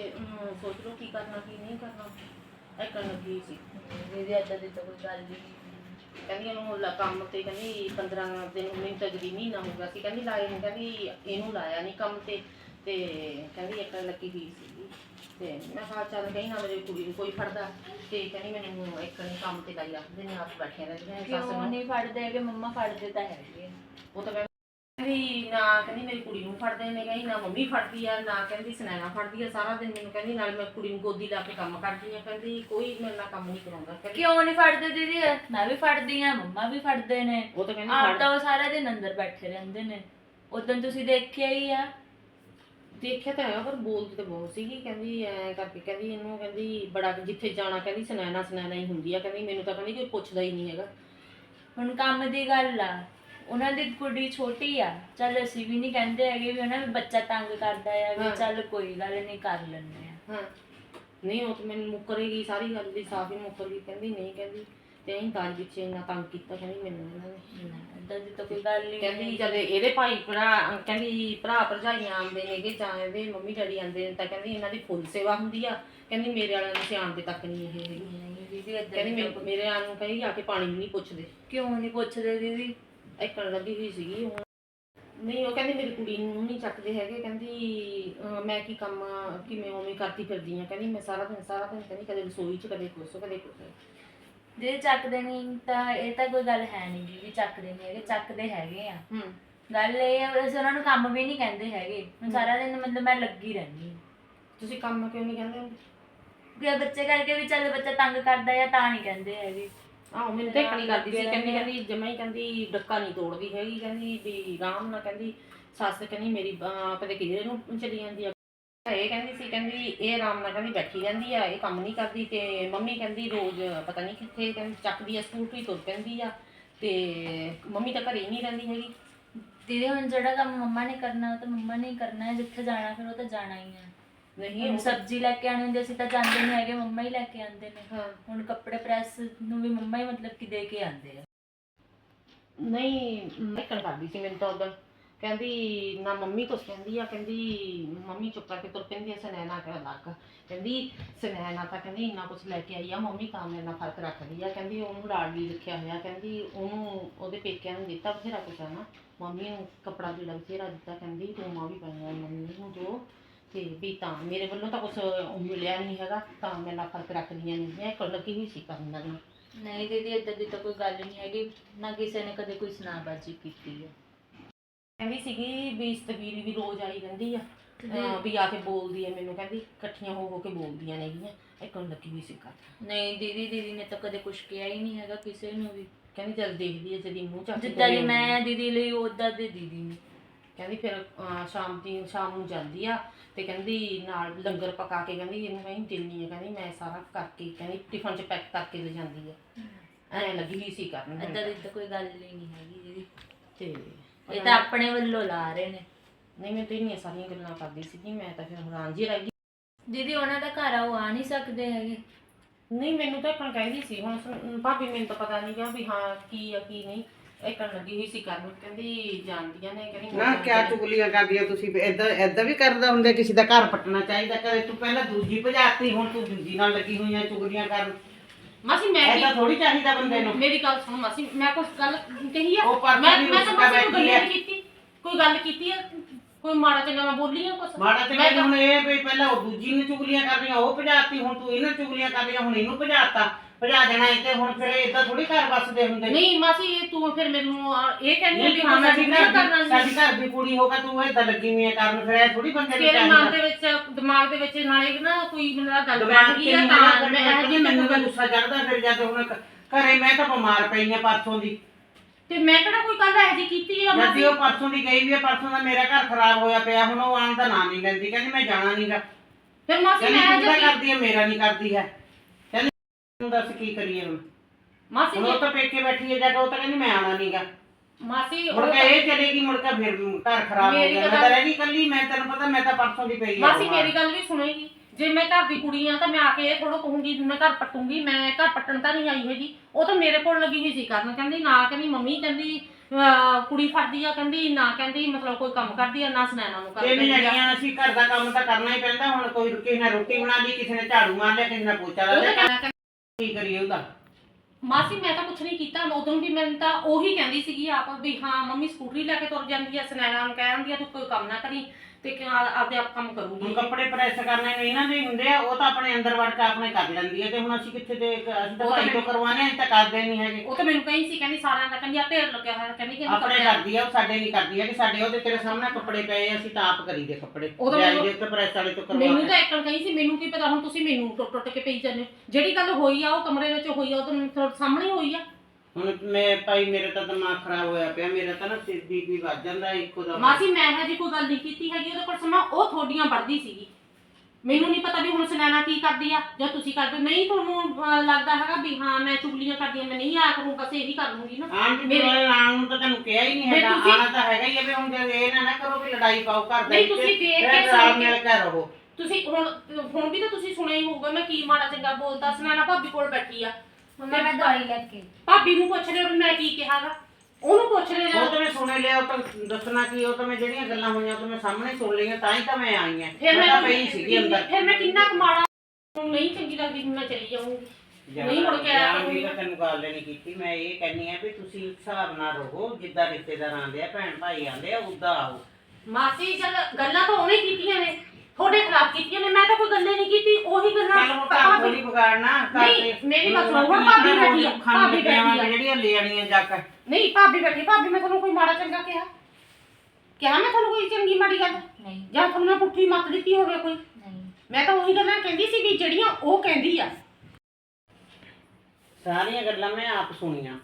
S1: ਲਓ ਕੀ ਕਰਨਾ ਕੀ ਨਹੀਂ ਕਰਨਾ। ਇਹ ਕਰਨ ਲੱਗੀ ਸੀ।
S2: ਦੀਦੀ ਏਦਾਂ ਦੀ ਤਾਂ ਕੋਈ ਗੱਲ ਹੀ ਨਹੀਂ।
S1: ਕਹਿੰਦੀ ਇਹਨੂੰ ਕੰਮ ਤੇ ਕਹਿੰਦੀ 15 ਦਿਨ ਮੈਨੂੰ ਤਕਰੀਬਨ ਮਹੀਨਾ ਹੋ ਗਿਆ ਸੀ ਕਹਿੰਦੀ ਲਾਏ ਨੂੰ। ਕਹਿੰਦੀ ਇਹਨੂੰ ਲਾਇਆ ਨਹੀਂ ਕੰਮ ਤੇ ਕਹਿੰਦੀ ਇੱਕ ਲੱਗੀ ਹੋਈ ਸੀਗੀ। ਤੇ ਮੈਂ ਕਿਹਾ ਚੱਲ ਕਹੀ ਨਾ ਮੇਰੀ ਕੁੜੀ ਨੂੰ ਕੋਈ ਫੜਦਾ। ਤੇ ਕਹਿੰਦੀ ਮੈਨੂੰ ਇੱਕ ਨੇ ਕੰਮ ਤੇ ਲਾਈ ਰੱਖਦੇ ਨੇ, ਆਪ ਬੈਠੇ ਰਹਿੰਦੇ ਨੇ।
S2: ਕਿਉਂ ਨਹੀਂ ਫੜਦੇ ਹੈਗੇ? ਮੰਮਾ ਫੜਦੇ ਤਾਂ ਹੈਗੇ।
S1: ਉਹ ਤਾਂ ਕਹਿੰਦੀ ਨਾ ਕਹਿੰਦੀ ਮੇਰੀ ਕੁੜੀ ਨੂੰ ਫੜਦੇ ਨੇ, ਕਹਿੰਦੀ ਨਾ ਮੰਮੀ ਫੜਦੀ ਆ, ਨਾ ਕਹਿੰਦੀ ਸੁਨੈਣਾ ਫੜਦੀ ਆ। ਸਾਰਾ ਦਿਨ ਮੈਨੂੰ ਕਹਿੰਦੀ ਨਾਲ ਮੈਂ ਕੁੜੀ ਨੂੰ ਗੋਦੀ ਲਾ ਕੇ ਕੰਮ ਕਰਦੀ ਆ। ਕਹਿੰਦੀ ਕੋਈ ਮੇਰੇ ਨਾਲ ਕੰਮ ਨਹੀਂ ਕਰਾਉਂਦਾ।
S2: ਕਿਉਂ ਨਹੀਂ ਫੜਦੇ ਦੀਦੀ? ਮੈਂ ਵੀ ਫੜਦੀ ਆ, ਮੰਮਾ ਵੀ ਫੜਦੇ ਨੇ।
S1: ਉਹ ਤਾਂ ਕਹਿੰਦੀ
S2: ਆਪ ਤਾਂ ਉਹ ਸਾਰਾ ਦਿਨ ਅੰਦਰ ਬੈਠੇ ਰਹਿੰਦੇ ਨੇ। ਉਦੋਂ ਤੁਸੀਂ ਦੇਖਿਆ ਹੀ ਆ।
S1: ਦੇਖਿਆ ਤਾਂ ਹੈ ਪਰ ਬੋਲਦੀ ਤਾਂ ਬਹੁਤ ਸੀਗੀ। ਕਹਿੰਦੀ ਐ ਕਰਕੇ ਕਹਿੰਦੀ ਇਹਨੂੰ ਕਹਿੰਦੀ ਬੜਾ ਜਿੱਥੇ ਜਾਣਾ ਕਹਿੰਦੀ ਸੁਨੈਣਾ ਹੀ ਹੁੰਦੀ ਆ। ਕਹਿੰਦੀ ਮੈਨੂੰ ਤਾਂ ਕਹਿੰਦੀ ਕੋਈ ਪੁੱਛਦਾ ਹੀ ਨਹੀਂ ਹੈਗਾ।
S2: ਹੁਣ ਕੰਮ ਦੀ ਗੱਲ ਆ, ਉਹਨਾਂ ਦੀ ਕੁੜੀ ਛੋਟੀ ਆ। ਚੱਲ ਅਸੀਂ ਵੀ ਨਹੀਂ ਕਹਿੰਦੇ ਹੈਗੇ ਵੀ ਉਹਨਾਂ ਵੀ ਬੱਚਾ ਤੰਗ ਕਰਦਾ ਆ ਵੀ ਚੱਲ ਕੋਈ ਗੱਲ ਨਹੀਂ ਕਰ ਲੈਂਦੇ ਆ।
S1: ਹਾਂ ਨਹੀਂ ਉਹ ਤਾਂ ਮੈਨੂੰ ਮੁੱਕਰੇਗੀ ਸਾਰੀ ਗੱਲ ਦੀ, ਸਾਫ ਹੀ ਮੁੱਕਰ ਗਈ। ਕਹਿੰਦੀ ਨਹੀਂ ਕਹਿੰਦੀ ਤੇ ਅਸੀਂ ਦਾਜ ਵਿੱਚ ਇੰਨਾ ਤੰਗ ਕੀਤਾ ਕਹਿੰਦੀ ਮੈਨੂੰ ਇਹਨਾਂ ਨੇ।
S2: ਏਦਾਂ ਦੀ ਤਾਂ ਕੋਈ ਗੱਲ ਨਹੀਂ।
S1: ਕਹਿੰਦੀ ਜਦ ਇਹਦੇ ਭਾਈ ਭਰਾ ਕਹਿੰਦੀ ਭਰਾ ਭਰਜਾਈਆਂ ਆਉਂਦੇ ਨੇਗੇ ਜਾਂ ਇਹਦੇ ਮੰਮੀ ਡੈਡੀ ਆਉਂਦੇ ਨੇ ਤਾਂ ਕਹਿੰਦੀ ਇਹਨਾਂ ਦੀ ਫੁੱਲ ਸੇਵਾ ਹੁੰਦੀ ਆ। ਕਹਿੰਦੀ ਮੇਰੇ ਵਾਲਿਆਂ ਨੂੰ ਸਿਆਣ ਦੇ ਤੱਕ ਨਹੀਂ ਇਹ ਹੈਗੀ।
S2: ਦੀਦੀ ਏਦਾਂ
S1: ਕਹਿੰਦੀ ਮੇਰੇ ਵਾਲਿਆਂ ਨੂੰ ਕਹਿੰਦੀ ਆ ਕੇ ਪਾਣੀ ਵੀ ਨਹੀਂ ਪੁੱਛਦੇ।
S2: ਕਿਉਂ ਨਹੀਂ ਪੁੱਛਦੇ ਦੀਦੀ?
S1: ਇੱਕਣ ਲੱਗੀ ਹੋਈ ਸੀਗੀ ਹੁਣ। ਨਹੀਂ ਉਹ ਕਹਿੰਦੀ ਮੇਰੀ ਕੁੜੀ ਨੂੰ ਨਹੀਂ ਚੱਕਦੇ ਹੈਗੇ। ਕਹਿੰਦੀ ਮੈਂ ਕੀ ਕੰਮ ਕਿਵੇਂ ਉਵੇਂ ਕਰਦੀ ਫਿਰਦੀ ਆ। ਕਹਿੰਦੀ ਮੈਂ ਸਾਰਾ ਦਿਨ ਕਹਿੰਦੀ ਕਦੇ ਰਸੋਈ 'ਚ ਕਦੇ ਕੁਛ ਕਦੇ ਕੁਛ।
S2: ਜੇ ਚੱਕਦੇ ਨਹੀਂ ਤਾਂ ਇਹ ਤਾਂ ਕੋਈ ਗੱਲ ਹੈ ਨਹੀਂ ਵੀ ਚੱਕਦੇ ਨਹੀਂ ਹੈਗੇ, ਚੱਕਦੇ ਹੈਗੇ ਆ। ਗੱਲ ਇਹ ਆ ਅਸੀਂ ਉਹਨਾਂ ਨੂੰ ਕੰਮ ਵੀ ਨਹੀਂ ਕਹਿੰਦੇ ਹੈਗੇ। ਹੁਣ ਸਾਰਾ ਦਿਨ ਮਤਲਬ ਮੈਂ ਲੱਗੀ ਰਹਿੰਦੀ ਹਾਂ।
S1: ਤੁਸੀਂ ਕੰਮ ਕਿਉਂ ਨਹੀਂ ਕਹਿੰਦੇ?
S2: ਕਿ ਬੱਚੇ ਕਰਕੇ ਵੀ ਚੱਲ ਬੱਚਾ ਤੰਗ ਕਰਦਾ ਆ ਤਾਂ ਨਹੀਂ ਕਹਿੰਦੇ ਹੈਗੇ।
S1: ਆਹੋ ਮੈਨੂੰ ਦੇਖਣੀ ਕਰਦੀ ਸੀ। ਕਹਿੰਦੀ ਜਮਾਂ ਹੀ ਕਹਿੰਦੀ ਡੱਕਾ ਨਹੀਂ ਤੋੜਦੀ ਹੈਗੀ। ਕਹਿੰਦੀ ਵੀ ਆਰਾਮ ਨਾਲ ਕਹਿੰਦੀ ਸੱਸ ਕਹਿੰਦੀ ਮੇਰੀ ਕਦੇ ਕਿਹਦੇ ਨੂੰ ਚਲੀ ਜਾਂਦੀ ਆ। ਇਹ ਕਹਿੰਦੀ ਸੀ ਕਹਿੰਦੀ ਇਹ ਆਰਾਮ ਨਾਲ ਕਹਿੰਦੀ ਬੈਠੀ ਰਹਿੰਦੀ ਆ, ਇਹ ਕੰਮ ਨਹੀਂ ਕਰਦੀ। ਤੇ ਮੰਮੀ ਕਹਿੰਦੀ ਰੋਜ਼ ਪਤਾ ਨਹੀਂ ਕਿੱਥੇ ਕਹਿੰਦੀ ਚੱਕਦੀ ਆ ਸਕੂਟਰੀ ਤੁਰ ਪੈਂਦੀ ਆ। ਤੇ ਮੰਮੀ ਤਾਂ ਘਰੇ ਹੀ ਨਹੀਂ ਰਹਿੰਦੀ ਹੈਗੀ।
S2: ਦੀਦੀ ਹੁਣ ਜਿਹੜਾ ਕੰਮ ਮੰਮਾ ਨੇ ਕਰਨਾ ਉਹ ਤਾਂ ਮੰਮਾ ਨੇ ਹੀ ਕਰਨਾ ਹੈ। ਜਿੱਥੇ ਜਾਣਾ ਫਿਰ ਉਹ ਤਾਂ ਜਾਣਾ ਹੀ ਆ। ਨਹੀਂ ਸਬਜ਼ੀ ਲੈ ਕੇ ਆਣੀ ਹੁੰਦੀ ਅਸੀਂ ਤਾਂ ਜਾਂਦੇ ਨਹੀਂ ਹੈਗੇ, ਮੰਮਾ ਹੀ ਲੈ ਕੇ ਆਉਂਦੇ ਨੇ। ਹੁਣ ਕੱਪੜੇ ਪ੍ਰੈਸ ਨੂੰ ਵੀ ਮੰਮਾ ਹੀ ਮਤਲਬ ਕਿ ਦੇ ਕੇ ਆਉਂਦੇ ਆ।
S1: ਨਹੀਂ ਨਿਕਲ ਕਰਦੀ ਸੀ ਮੈਨੂੰ ਤਾਂ ਉਦੋਂ। ਕਹਿੰਦੀ ਨਾ ਮੰਮੀ ਕੁਛ ਕਹਿੰਦੀ ਆ। ਕਹਿੰਦੀ ਮੰਮੀ ਚੁੱਪ ਕਰਕੇ ਤੁਰ ਪੈਂਦੀ ਆ। ਸੁਨੈਣਾ ਕਰ ਲੱਗ ਕਹਿੰਦੀ ਸੁਨੈਣਾ ਤਾਂ ਕਹਿੰਦੀ ਇੰਨਾ ਕੁਛ ਲੈ ਕੇ ਆਈ ਆ। ਮੰਮੀ ਤਾਂ ਮੇਰੇ ਨਾਲ ਫਰਕ ਰੱਖਦੀ ਆ। ਕਹਿੰਦੀ ਉਹਨੂੰ ਲਾਡਲੀ ਰੱਖਿਆ ਹੋਇਆ। ਕਹਿੰਦੀ ਉਹਨੂੰ ਉਹਦੇ ਪੇਕਿਆਂ ਨੂੰ ਦਿੱਤਾ ਬਥੇਰਾ ਕੁਛ ਆ ਨਾ। ਮੰਮੀ ਨੂੰ ਕੱਪੜਾ ਜਿਹੜਾ ਬਥੇਰਾ ਦਿੱਤਾ। ਕਹਿੰਦੀ ਤੂੰ ਮਾਂ ਵੀ ਪਾਈਆਂ ਮੰਮੀ ਨੂੰ ਜੋ ਤੇ ਵੀ ਤਾਂ ਮੇਰੇ ਵੱਲੋਂ ਤਾਂ ਕੁਛ ਮਿਲਿਆ ਨਹੀਂ ਹੈਗਾ ਤਾਂ ਮੇਰੇ ਨਾਲ ਫਰਕ ਰੱਖਦੀਆਂ ਨਹੀਂ। ਮੈਂ ਇੱਕ ਲੱਗੀ ਹੋਈ ਸੀ ਕਰਨ ਨਾਲ।
S2: ਨਹੀਂ ਦੀਦੀ ਏਦਾਂ ਦੀ ਤਾਂ ਕੋਈ ਗੱਲ ਨਹੀਂ ਹੈਗੀ, ਨਾ ਕਿਸੇ ਨੇ ਕਦੇ ਕੋਈ ਸੁਨਾਬਾਜ਼ੀ ਕੀਤੀ ਹੈ।
S1: ਕਹਿੰਦੀ ਸੀਗੀ ਵੀ ਸਤਵੀਰ ਵੀ ਰੋਜ਼ ਆਈ ਰਹਿੰਦੀ ਆ ਵੀ ਆ ਕੇ ਬੋਲਦੀ ਆ ਮੈਨੂੰ। ਕਹਿੰਦੀ ਇਕੱਠੀਆਂ ਹੋ ਕੇ ਬੋਲਦੀਆਂ ਨੇਗੀਆਂ। ਇੱਕ ਲੱਗੀ ਹੋਈ ਸੀ ਕਰ।
S2: ਨਹੀਂ ਦੀਦੀ ਨੇ ਤਾਂ ਕਦੇ ਕੁਛ ਕਿਹਾ ਹੀ ਨਹੀਂ ਹੈਗਾ ਕਿਸੇ ਨੂੰ ਵੀ।
S1: ਕਹਿੰਦੀ ਜਦ ਦੇਖਦੀ ਆ ਜਦੀ ਮੂੰਹ ਚੱਕ
S2: ਜਿੱਦਾਂ ਦੀ ਮੈਂ ਦੀਦੀ ਲਈ ਉਦਾਂ ਦੇ ਦੀਦੀ ਨੇ।
S1: ਕਹਿੰਦੀ ਫਿਰ ਸ਼ਾਮ ਨੂੰ ਜਾਂਦੀ ਆ ਤੇ ਕਹਿੰਦੀ ਨਾਲ ਲੰਗਰ ਪਕਾ ਕੇ ਕਹਿੰਦੀ ਇਹਨੂੰ ਮੈਂ ਦਿੰਦੀ ਆ। ਕਹਿੰਦੀ ਮੈਂ ਸਾਰਾ ਕਰਕੇ ਕਹਿੰਦੀ ਟਿਫਨ 'ਚ ਪੈਕ ਕਰਕੇ ਲੈ ਜਾਂਦੀ ਆ। ਐਂ ਲੱਗੀ ਹੋਈ ਸੀ ਕਰਨ।
S2: ਏਦਾਂ ਦੀ ਤਾਂ ਕੋਈ ਗੱਲ ਹੀ ਨਹੀਂ ਹੈਗੀ ਦੀਦੀ।
S1: ਤੇ
S2: ਇਹ ਤਾਂ ਆਪਣੇ ਵੱਲੋਂ ਲਾ ਰਹੇ ਨੇ।
S1: ਨਹੀਂ ਮੈਂ ਤਾਂ ਇੰਨੀਆਂ ਸਾਰੀਆਂ ਗੱਲਾਂ ਕਰਦੀ ਸੀਗੀ। ਮੈਂ ਤਾਂ ਫਿਰ ਹੈਰਾਨ ਜਿਹੀ ਰਹਿ ਗਈ।
S2: ਦੀਦੀ ਉਹਨਾਂ ਦਾ ਘਰ ਆ, ਉਹ ਆ ਨਹੀਂ ਸਕਦੇ ਹੈਗੇ।
S1: ਨਹੀਂ ਮੈਨੂੰ ਤਾਂ ਇੱਕ ਕਹਿੰਦੀ ਸੀ ਹੁਣ ਭਾਬੀ ਮੈਨੂੰ ਤਾਂ ਪਤਾ ਨਹੀਂ ਗਾ ਵੀ ਹਾਂ ਕੀ ਆ ਕੀ ਨਹੀਂ। ਇੱਕਣ ਲੱਗੀ ਹੋਈ ਸੀ ਕਰਨ। ਕਹਿੰਦੀ ਜਾਣਦੀਆਂ ਨੇ ਕਹਿੰਦੀ
S3: ਨਾ ਕਿਆ ਚੁਗਲੀਆਂ ਕਰਦੀਆਂ ਤੁਸੀਂ? ਏਦਾਂ ਵੀ ਕਰਦਾ ਹੁੰਦਾ ਕਿਸੇ ਦਾ ਘਰ ਪੱਟਣਾ ਚਾਹੀਦਾ। ਕਦੇ ਤੂੰ ਪਹਿਲਾਂ ਦੂਜੀ ਭਜਾਤੀ ਹੁਣ ਤੂੰ ਦੂਜੀ ਨਾਲ ਲੱਗੀ ਹੋਈਆਂ ਚੁਗਲੀਆਂ ਕਰਨ।
S1: ਮਾਸੀ ਮੈਂ
S3: ਐਦਾਂ ਥੋੜੀ ਚਾਹੀਦਾ ਬੰਦੇ ਨੂੰ।
S1: ਮੇਰੀ ਗੱਲ ਸੁਣ ਮਾਸੀ, ਮੈਂ ਕੁਝ ਗੱਲ ਕਹੀ ਆ?
S3: ਉਹ ਪਰਸੋਂ
S1: ਮੈਂ
S3: ਦੀ
S1: ਤਾਂ
S3: ਰੁੱਸ
S1: ਮਾਸੀ
S3: ਕੇ
S1: ਕੋਈ ਗੱਲ
S3: ਬੈਠੀ
S1: ਨਹੀਂ ਕੀਤੀ, ਕੋਈ ਗੱਲ ਕੀਤੀ ਆ? ਕੋਈ ਮਾੜਾ ਚੰਗਾ ਮੈਂ ਬੋਲੀ ਆ ਕੁਛ?
S3: ਮਾੜਾ ਤੇ ਮੈਨੂੰ ਹੁਣ ਇਹ ਵੀ ਪਹਿਲਾਂ ਉਹ ਦੂਜੀ ਨੂੰ ਚੁਗਲੀਆਂ ਕਰਨੀਆਂ ਉਹ ਭਜਾਤੀ, ਹੁਣ ਤੂੰ ਇਹਨਾਂ ਚੁਗਲੀਆਂ ਕਰਨੀਆਂ ਹੁਣ ਇਹਨੂੰ ਭਜਾ ਦੇਣਾ ਇਹ ਤੇ ਹੁਣ ਫਿਰ ਏਦਾਂ ਥੋੜੀ ਘਰ ਵੱਸਦੇ ਹੁੰਦੇ।
S1: ਨਹੀਂ ਮਾਸੀ ਇਹ ਤੂੰ ਫਿਰ ਮੈਨੂੰ ਇਹ ਕਹਿੰਦੀ ਆ
S3: ਨਹੀਂ
S1: ਵੀ
S3: ਤੂੰ
S1: ਹਾਂ ਮੈਂ
S3: ਸਾਡੀ
S1: ਚੁਗਲੀਆਂ ਕਰਨਾ
S3: ਸਾਡੀ ਘਰ ਦੀ ਕੁੜੀ ਹੋਗਾ ਤੂੰ ਏਦਾਂ ਲੱਗੀ ਹੋਈ ਆ ਕਰਨ, ਫਿਰ ਇਹ ਥੋੜੀ ਬੰਦੇ ਨੂੰ
S1: ਤੇਰੇ ਮਨ ਦੇ ਵਿੱਚ ਦਿਮਾਗ ਦੇ ਵਿੱਚ ਨਾਲੇ ਨਾ ਕੋਈ ਮੈਨੂੰ ਗੱਲ
S3: ਦਿਮਾਗ
S1: ਬੈਠ ਗਈ
S3: ਤੇ
S1: ਆ ਤਾਂ ਮੈਂ ਇਹ ਜਿਹੀ
S3: ਮੈਨੂੰ ਤਾਂ ਗੁੱਸਾ ਚੜਦਾ ਫਿਰ ਜਦ ਹੁਣ ਘਰੇ ਮੈਂ ਤਾਂ ਬਿਮਾਰ ਪਈ ਆ ਪਰਸੋਂ ਦੀ,
S1: ਤੇ ਮੈਂ ਕਿਹੜਾ ਕੋਈ ਗੱਲ ਇਹੋ ਜਿਹੀ ਕੀਤੀ ਆ
S3: ਜਦ
S1: ਮਾਸੀ?
S3: ਉਹ ਪਰਸੋਂ ਦੀ ਗਈ ਵੀ ਆ, ਪਰਸੋਂ ਦਾ ਮੇਰਾ ਘਰ ਖਰਾਬ ਹੋਇਆ ਪਿਆ, ਹੁਣ ਉਹ ਆਉਣ ਦਾ ਨਾਂ ਨਹੀਂ ਲੈਂਦੀ, ਕਹਿੰਦੀ ਮੈਂ ਜਾਣਾ ਨਹੀਂਗਾ।
S1: ਫਿਰ ਮਾਸੀ
S3: ਕਹਿੰਦੀ
S1: ਮੈਂ
S3: ਤੂੰ ਤਾਂ ਕਰਦੀ ਹੈ ਮੇਰਾ ਨਹੀਂ ਕਰਦੀ ਹੈ, ਕਹਿੰਦੀ ਤੂੰ ਦੱਸ ਕੀ ਕਰੀਏ ਹੁਣ?
S1: ਮਾਸੀ
S3: ਹੁਣ ਉਹ ਤਾਂ ਪੇਕੇ ਬੈਠੀ ਹੈ ਜਾ ਕੇ, ਉਹ ਤਾਂ ਕਹਿੰਦੀ ਮੈਂ ਆਉਣਾ ਨਹੀਂਗਾ।
S1: ਮਾਸੀ
S3: ਮੁੜ ਕੇ ਇਹ ਚਲੇਗੀ, ਮੁੜ ਕੇ ਫਿਰ ਘਰ ਖਰਾਬ ਹੋ
S1: ਮੇਰੀ
S3: ਗਿਆ, ਮੈਂ ਤਾਂ ਰਹਿ ਗਈ ਇਕੱਲੀ। ਮੈਂ ਤੈਨੂੰ ਪਤਾ ਮੈਂ ਤਾਂ ਪਰਸੋਂ ਦੀ ਪਈ ਆ
S1: ਮਾਸੀ ਮੇਰੀ ਗੱਲ ਵੀ ਸੁਣੇਗੀ। ਜੇ ਮੈਂ ਘਰ ਦੀ ਕੁੜੀ ਆ ਤਾਂ ਮੈਂ ਆ ਕੇ ਇਹ ਥੋੜਾ ਕਹੂੰਗੀ ਮੈਂ ਘਰ ਪੱਟੂੰਗੀ, ਮੈਂ ਘਰ ਪੱਟਣ ਤਾਂ ਨਹੀਂ ਆਈ ਹੈਗੀ। ਉਹ ਤਾਂ ਮੇਰੇ ਕੋਲ ਲੱਗੀ ਹੋਈ ਸੀ ਕਰਨ, ਕਹਿੰਦੀ ਨਾ ਕਹਿੰਦੀ ਮੰਮੀ ਕਹਿੰਦੀ ਕੁੜੀ ਫੜਦੀ ਆ, ਕਹਿੰਦੀ ਨਾ ਕਹਿੰਦੀ ਮਤਲਬ ਕੋਈ ਕੰਮ ਕਰਦੀ ਆ ਨਾ ਸੁਨੈਣਾ ਨੂੰ
S3: ਤੇ ਵੀ
S1: ਕਰਦੀ ਆ।
S3: ਜਣੀਆਂ ਅਸੀਂ ਘਰ ਦਾ ਕੰਮ ਤਾਂ ਕਰਨਾ ਹੀ ਪੈਂਦਾ। ਹੁਣ ਕੋਈ ਕਿਸੇ ਨੇ ਰੋਟੀ ਬਣਾ ਲਈ, ਕਿਸੇ ਨੇ ਝਾੜੂ ਮਾਰ ਲਿਆ, ਕਿਸੇ ਨੇ ਪੋਚਾ ਲਾ ਲਿਆ, ਕੀ ਕਰੀਏ ਉਹਦਾ?
S1: ਮਾਸੀ ਮੈਂ ਤਾਂ ਕੁਛ ਨਹੀਂ ਕੀਤਾ, ਉਦੋਂ ਵੀ ਮੈਂ ਤਾਂ ਉਹੀ ਕਹਿੰਦੀ ਸੀਗੀ ਆਪ ਵੀ ਹਾਂ ਮੰਮੀ ਸਕੂਟਰੀ ਲੈ ਕੇ ਤੁਰ ਜਾਂਦੀ ਆ, ਸੁਨੈਣਾ ਨੂੰ ਕਹਿ ਦਿੰਦੀ ਆ ਤੂੰ ਕੋਈ ਕੰਮ ਨਾ ਕਰੀ ਤੇ ਆਪਦੇ ਆਪ ਕੰਮ
S3: ਹੁਣ
S1: ਕਰੂਗੀ।
S3: ਕੱਪੜੇ ਪ੍ਰੈਸ ਕਰਨੇ ਨੇ ਇਹਨਾਂ ਦੇ ਹੁੰਦੇ ਆ, ਉਹ ਤਾਂ ਆਪਣੇ ਅੰਦਰ ਵੜ ਕੇ ਆਪਣੇ ਕਰ ਲੈਂਦੀ ਹੈ, ਤੇ ਹੁਣ ਅਸੀਂ ਕਿੱਥੇ ਤੇ ਅਸੀਂ ਤਾਂ ਭਾਈ ਤੋਂ ਕਰਵਾਉਣੇ, ਅਸੀਂ ਤਾਂ ਕਰਦੇ ਨਹੀਂ ਹੈਗੇ।
S1: ਉਹ ਤਾਂ ਮੈਨੂੰ ਕਹੀ ਸੀ, ਕਹਿੰਦੀ ਸਾਰਿਆਂ ਦਾ ਕਹਿੰਦੀ ਆ ਢੇਰ ਲੱਗਿਆ ਹੋਇਆ, ਕਹਿੰਦੀ ਕਿ
S3: ਆਪਣੇ ਕਰਦੀ ਆ, ਉਹ ਸਾਡੇ ਨਹੀਂ ਕਰਦੀ ਹੈ ਕਿ ਸਾਡੇ ਉਹਦੇ ਤੇਰੇ ਸਾਹਮਣੇ ਕੱਪੜੇ ਪਏ ਆ, ਅਸੀਂ ਤਾਂ ਆਪ ਕਰੀਦੇ ਕੱਪੜੇ ਜਾਈਦੇ ਉੱਤੇ ਪ੍ਰੈਸ ਵਾਲੇ ਤੋਂ ਕਰਵਾ।
S1: ਮੈਨੂੰ ਤਾਂ ਇੱਕਣ ਕਹੀ ਸੀ, ਮੈਨੂੰ ਕੀ ਪਤਾ ਹੁਣ ਤੁਸੀਂ ਮੈਨੂੰ ਟੁੱਟ ਟੁੱਟ ਕੇ ਪਈ ਜਾਂਦੇ ਹੋ। ਜਿਹੜੀ ਗੱਲ ਹੋਈ ਆ ਉਹ ਕਮਰੇ ਵਿੱਚ ਹੋਈ ਆ, ਉਹ ਤਾਂ ਤੁਹਾਡੇ ਸਾਹਮਣੇ ਹੋਈ ਆ।
S3: ਹੁਣ ਮੈਂ ਭਾਈ ਮੇਰੇ ਤਾਂ ਦਿਮਾਗ ਖਰਾਬ ਹੋਇਆ ਪਿਆ, ਮੇਰਾ ਤਾਂ ਨਾ ਸਿਰ ਬੀਪੀ ਵੱਜ ਜਾਂਦਾ ਇੱਕੋ ਦਾ।
S1: ਮਾਸੀ ਮੈਂ ਹਜੇ ਕੋਈ ਗੱਲ ਨਹੀਂ ਕੀਤੀ ਹੈਗੀ ਉਹਦੇ ਕੋਲ, ਸਮਾਂ ਉਹ ਥੋਡੀਆਂ ਵੜਦੀ ਸੀਗੀ। ਮੈਨੂੰ ਨਹੀਂ ਪਤਾ ਵੀ ਹੁਣ ਸੁਨੈਣਾ ਕੀ ਕਰਦੀ ਆ ਜਾਂ ਤੁਸੀਂ ਕਰਦੇ ਨਹੀਂ। ਤੁਹਾਨੂੰ ਲੱਗਦਾ ਹੈਗਾ ਵੀ ਹਾਂ ਮੈਂ ਚੁਗਲੀਆਂ ਕਰਦੀ ਆ, ਮੈਂ ਨਹੀਂ ਆਇਆ ਕਰੂੰ, ਬਸ ਇਹੀ ਕਰ ਲੂੰਗੀ ਨਾ।
S3: ਮੇਰੇ ਆਉਣ ਨੂੰ ਤਾਂ ਤੈਨੂੰ ਕਿਹਾ ਹੀ ਨਹੀਂ ਹੈਗਾ, ਆਉਣਾ ਤਾਂ ਹੈਗਾ ਹੀ ਆ ਵੀ ਹੁਣ ਜੇ ਇਹ ਨਾ ਕਰੋ ਵੀ ਲੜਾਈ ਪਾਓ ਘਰ ਦੇ
S1: ਨਹੀਂ ਤੁਸੀਂ ਦੇਖ ਕੇ
S3: ਨਾਲ ਮਿਲ ਕੇ ਰਹੋ।
S1: ਤੁਸੀਂ ਹੁਣ ਵੀ ਤਾਂ ਤੁਸੀਂ ਸੁਣਿਆ ਹੀ ਹੋਊਗਾ ਮੈਂ ਕੀ ਮਾੜਾ ਚੰਗਾ ਬੋਲਦਾ। ਸੁਨੈਣਾ ਭਾਬੀ ਕੋਲ ਬੈਠੀ ਆ,
S2: ਮੈਂ ਦਵਾਈ ਲੈ ਕੇ
S1: ਭਾਬੀ ਨੂੰ ਪੁੱਛ ਲਿਓ ਵੀ ਮੈਂ ਕੀ ਕਿਹਾਗਾ, ਉਹਨੂੰ ਪੁੱਛ ਲਿਓ।
S3: ਉਹ ਤਾਂ ਮੈਂ ਸੁਣ ਲਿਆ, ਉਹ ਤਾਂ ਦੱਸਣਾ ਕੀ, ਉਹ ਤਾਂ ਮੈਂ ਜਿਹੜੀਆਂ ਗੱਲਾਂ ਹੋਈਆਂ ਉਹ ਤਾਂ ਮੈਂ ਸਾਹਮਣੇ ਸੁਣ ਲਈਆਂ, ਤਾਂ ਹੀ ਤਾਂ ਮੈਂ ਆਈ ਆ।
S1: ਫਿਰ
S3: ਮੈਂ ਤਾਂ ਪਈ ਸੀਗੀ ਅੰਦਰ।
S1: ਫਿਰ ਮੈਂ ਕਿੰਨਾ ਕੁ ਮਾੜਾ ਨਹੀਂ ਚੰਗੀ ਲੱਗਦੀ ਮੈਂ ਚਲੀ ਜਾਊਂਗੀ, ਨਹੀਂ ਮੁੜ ਕੇ ਆਇਆ
S3: ਵੀ ਤਾਂ ਤੈਨੂੰ ਗੱਲ ਨਹੀਂ ਕੀਤੀ। ਮੈਂ ਇਹ ਕਹਿੰਨੀ ਆ ਵੀ ਤੁਸੀਂ ਹਿਸਾਬ ਨਾਲ ਰਹੋ, ਜਿੱਦਾਂ ਰਿਸ਼ਤੇਦਾਰ ਆਉਂਦੇ ਆ, ਭੈਣ ਭਾਈ ਆਉਂਦੇ ਆ, ਉਦਾਂ ਆਓ।
S1: ਮਾਸੀ ਜਦ ਗੱਲਾਂ ਤਾਂ ਉਹਨੇ ਕੀਤੀਆਂ ਨੇ, ਤੁਹਾਡੇ ਖਿਲਾਫ ਕੀਤੀਆਂ ਨੇ, ਮੈਂ ਤਾਂ ਕੋਈ ਗੱਲੇ ਨਹੀਂ ਕੀਤੀ। ਉਹੀ ਗੱਲਾਂ
S3: ਚਲੋ ਘਰ ਥੋੜੀ ਵਿਗਾੜਨਾ,
S1: ਨਹੀਂ ਮੇਰੀ ਗੱਲ ਸੁਣੋ, ਹੁਣ ਭਾਬੀ ਬੈਠੀ ਆ, ਭਾਬੀ ਬੈਠੀ ਆ
S3: ਜਿਹੜੀਆਂ ਲੈ ਆਣੀਆਂ ਜਾ ਕੇ।
S1: ਨਹੀਂ ਭਾਬੀ ਬੈਠੀ, ਭਾਬੀ ਮੈਂ ਤੁਹਾਨੂੰ ਕੋਈ ਮਾੜਾ ਚੰਗਾ ਕਿਹਾ ਮੈਂ ਤੁਹਾਨੂੰ ਕੋਈ ਚੰਗੀ ਮਾੜੀ ਗੱਲ
S2: ਨਹੀਂ
S1: ਜਾਂ ਤੁਹਾਨੂੰ ਮੈਂ ਪੁੱਠੀ ਮੱਤ ਦਿੱਤੀ ਹੋਵੇ ਕੋਈ?
S2: ਨਹੀਂ
S1: ਮੈਂ ਤਾਂ ਉਹੀ ਗੱਲਾਂ ਕਹਿੰਦੀ ਸੀ ਵੀ ਜਿਹੜੀਆਂ ਉਹ ਕਹਿੰਦੀ ਆ।
S3: ਸਾਰੀਆਂ ਗੱਲਾਂ ਮੈਂ ਆਪ ਸੁਣੀਆਂ,